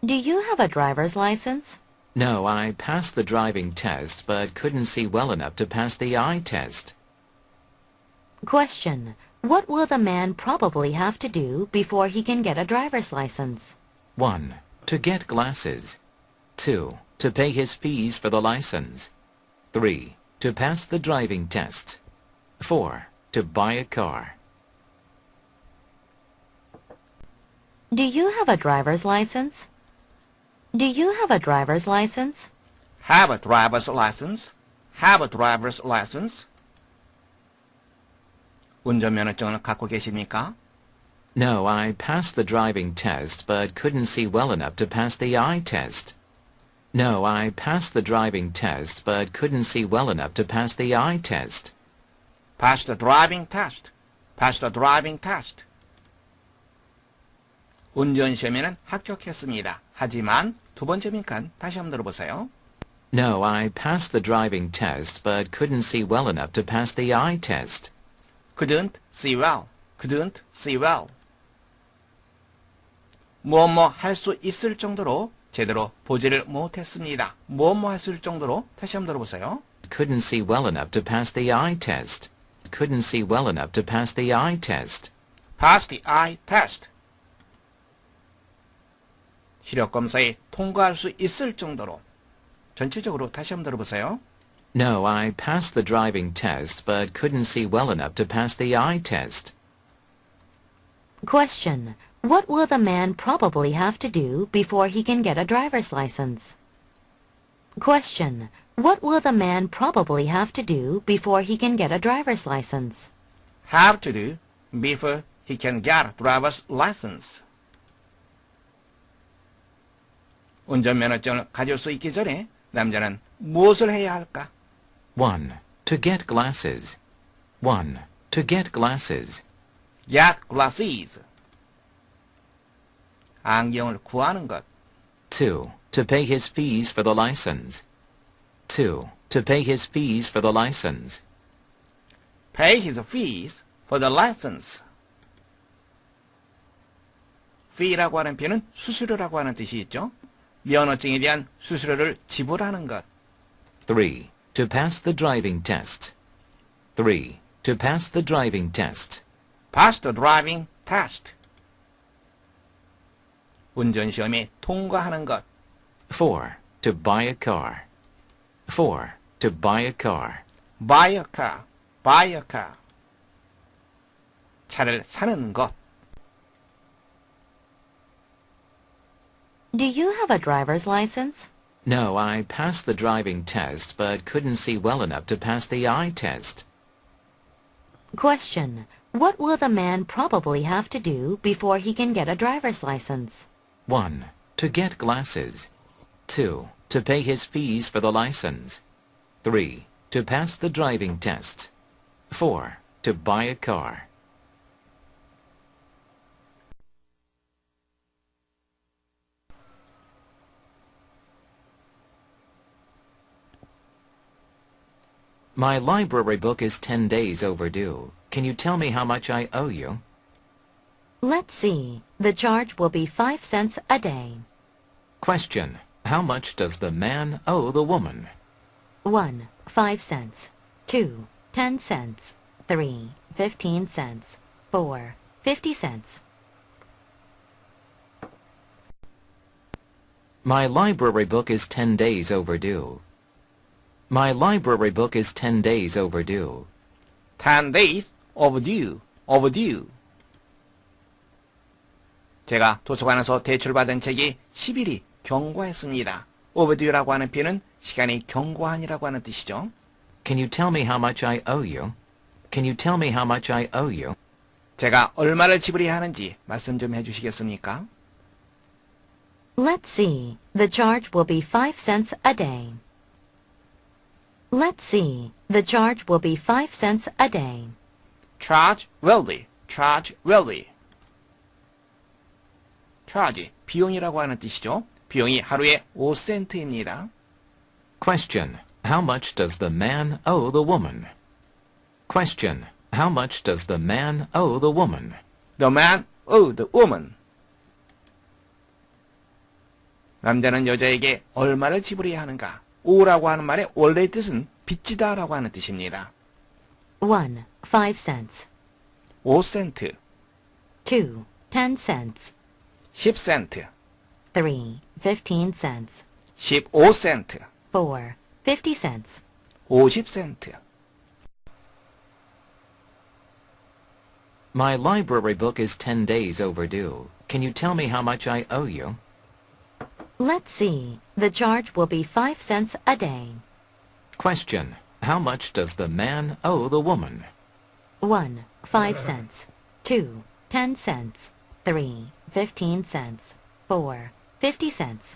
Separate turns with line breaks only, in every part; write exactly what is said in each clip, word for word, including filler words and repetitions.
Do you have a driver's license?
No, I passed the driving test but couldn't see well enough to pass the eye test.
Question. What will the man probably have to do before he can get a driver's license?
one. To get glasses. two. To pay his fees for the license. three. To pass the driving test. four. To buy a car.
Do you have a driver's license? Do you have a driver's license?
Have a driver's license. Have a driver's license. 운전면허증을 갖고 계십니까?
No, I passed the driving test but couldn't see well enough to pass the eye test. No, I passed the driving test but couldn't see well enough to pass the eye test.
Pass the driving test. Pass the driving test. 운전시험에는 합격했습니다. 하지만 두 번째 빈칸 다시 한번 들어보세요.
No, I passed the driving test but couldn't see well enough to pass the eye test.
Couldn't see well. Couldn't see well. 무엇뭐 할 수 있을 정도로 제대로 보지를 못했습니다. 무엇뭐 할 수 있을 정도로 다시 한번 들어보세요.
Couldn't see well enough to pass the eye test. Couldn't see well enough to pass the eye test.
Pass the eye test. 시력검사에 통과할 수 있을 정도로 전체적으로 다시 한번 들어보세요.
No, I passed the driving test but couldn't see well enough to pass the eye test.
Question. What will the man probably have to do before he can get a driver's license? Question. What will the man probably have to do before he can get a driver's license?
Have to do before he can get a driver's license. 운전면허증을 가질 수 있기 전에 남자는 무엇을 해야 할까?
one. To get glasses. one. To get glasses.
Get glasses. 안경을 구하는 것.
two. To pay his fees for the license. two. To pay his fees for the license.
Pay his fees for the license. fee라고 하는 표현은 수수료라고 하는 뜻이 있죠. 면허증에 대한 수수료를 지불하는 것.
three. To pass the driving test. three. To pass the driving test.
Pass the driving test. 운전시험에 통과하는 것.
four. To buy a car. four. To buy a car.
Buy a car. Buy a car. 차를 사는 것.
Do you have a driver's license?
No, I passed the driving test but couldn't see well enough to pass the eye test.
Question. What will the man probably have to do before he can get a driver's license?
one. To get glasses. two. To pay his fees for the license. three. To pass the driving test. four. To buy a car. My library book is ten days overdue. Can you tell me how much I owe you?
Let's see. The charge will be five cents a day.
Question. How much does the man owe the woman?
one. Five cents. two. Ten cents. three. Fifteen cents. four. Fifty cents.
My library book is ten days overdue. My library book is ten days overdue.
ten days overdue. overdue. 제가 도서관에서 대출받은 책이 십 일이 경과했습니다. overdue라고 하는 표현은 시간이 경과한이라고 하는 뜻이죠.
Can you tell me how much I owe you? Can you tell me how much I owe you?
제가 얼마를 지불해야 하는지 말씀 좀 해주시겠습니까?
Let's see. The charge will be five cents a day. Let's see. The charge will be five cents a day.
charge will be. charge will be. charge, 비용이라고 하는 뜻이죠. 비용이 하루에 오 센트입니다.
Question. How much does the man owe the woman? Question. How much does the man owe the woman?
The man owed the woman. 남자는 여자에게 얼마를 지불해야 하는가? 오라고 하는 말의 원래의 뜻은 빚지다라고 하는 뜻입니다.
one. five cents.
오 센트,
two. ten cents.
십 센트,
three. fifteen cents.
십오 센트,
four. fifty cents.
오십 센트.
My library book is ten days overdue. Can you tell me how much I owe you?
Let's see. The charge will be five cents a day.
Question. How much does the man owe the woman?
one. five cents. two. ten cents. three. fifteen cents. four. fifty cents.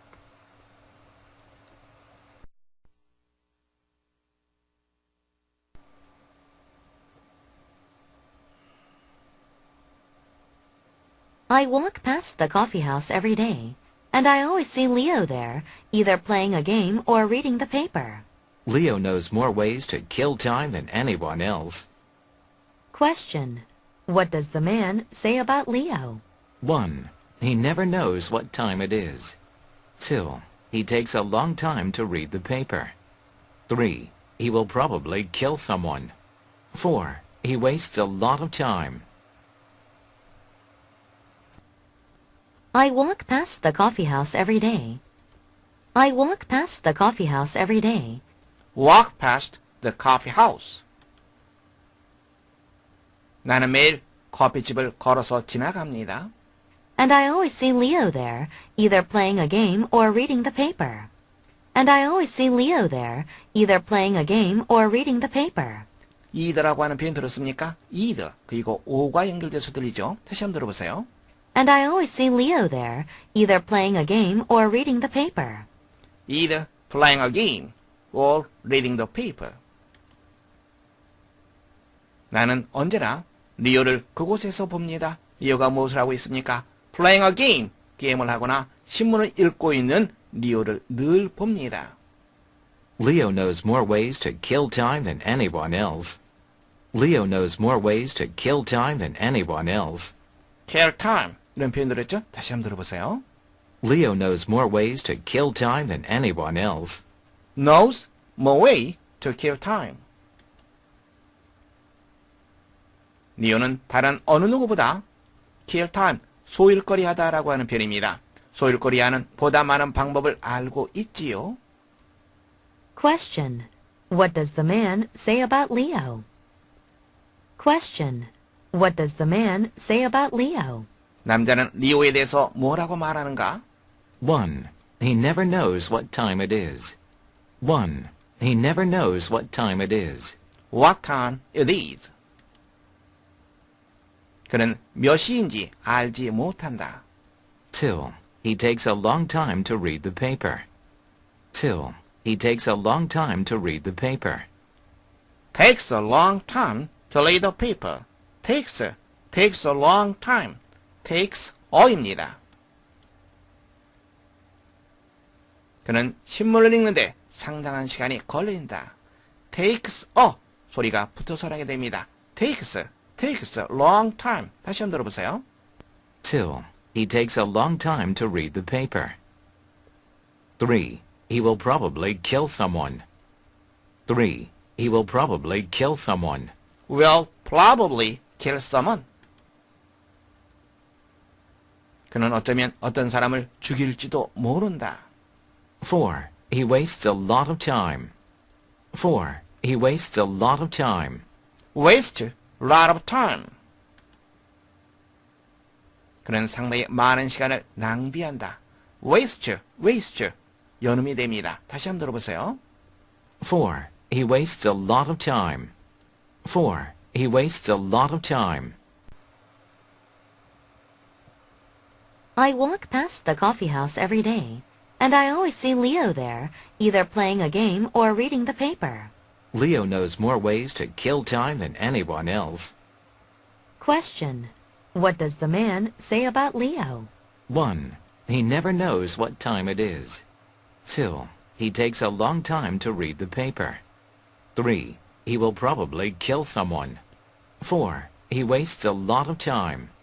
I walk past the coffee house every day, and I always see Leo there, either playing a game or reading the paper.
Leo knows more ways to kill time than anyone else.
Question. What does the man say about Leo?
one. He never knows what time it is. two. He takes a long time to read the paper. three. He will probably kill someone. four. He wastes a lot of time.
I walk past the coffee house every day. I walk past the coffee house every day.
Walk past the coffee house. 나는 매일 커피집을 걸어서 지나갑니다.
And I always see Leo there, either playing a game or reading the paper. And I always see Leo there, either playing a game or reading the paper.
either라고 하는 표현 들었습니까? either 그리고 오가 연결돼서 들리죠? 다시 한번 들어보세요.
And I always see Leo there, either playing a game or reading the paper.
either playing a game or reading the paper. 나는 언제나 리오를 그곳에서 봅니다. 리오가 무엇을 하고 있습니까? playing a game, 게임을 하거나 신문을 읽고 있는 리오를 늘 봅니다.
Leo knows more ways to kill time than anyone else. Leo knows more ways to kill time than anyone else.
kill time 이런 표현 들었죠? 다시 한번 들어보세요.
Leo knows more ways to kill time than anyone else.
knows more way to kill time. 리오는 다른 어느 누구보다 kill time, 소일거리 하다라고 하는 표현입니다. 소일거리 하는 보다 많은 방법을 알고 있지요.
Question. What does the man say about Leo? Question. What does the man say about Leo?
남자는 리오에 대해서 뭐라고 말하는가?
one. He never knows what time it is. one. He never knows what time it is.
What time it is. 그는 몇 시인지 알지 못한다.
two. He takes a long time to read the paper. two. He takes a long time to read the paper.
takes a long time to read the paper. takes, takes a long time. takes 어입니다. 그는 신문을 읽는데 상당한 시간이 걸린다. takes a 소리가 붙어서 하게 됩니다. takes, takes a long time. 다시 한번 들어보세요.
two. He takes a long time to read the paper. three. He will probably kill someone. three. He will probably kill someone.
will probably kill someone. 그는 어쩌면 어떤 사람을 죽일지도 모른다.
four. He wastes a lot of time. four. He wastes a lot of time.
waste a lot of time. 그는 상당히 많은 시간을 낭비한다. waste, waste, 연음이 됩니다. 다시 한번 들어보세요.
four. He wastes a lot of time. four. He wastes a lot of time.
I walk past the coffee house every day, and I always see Leo there, either playing a game or reading the paper.
Leo knows more ways to kill time than anyone else.
Question. What does the man say about Leo?
one. He never knows what time it is. two. He takes a long time to read the paper. three. He will probably kill someone. four. He wastes a lot of time.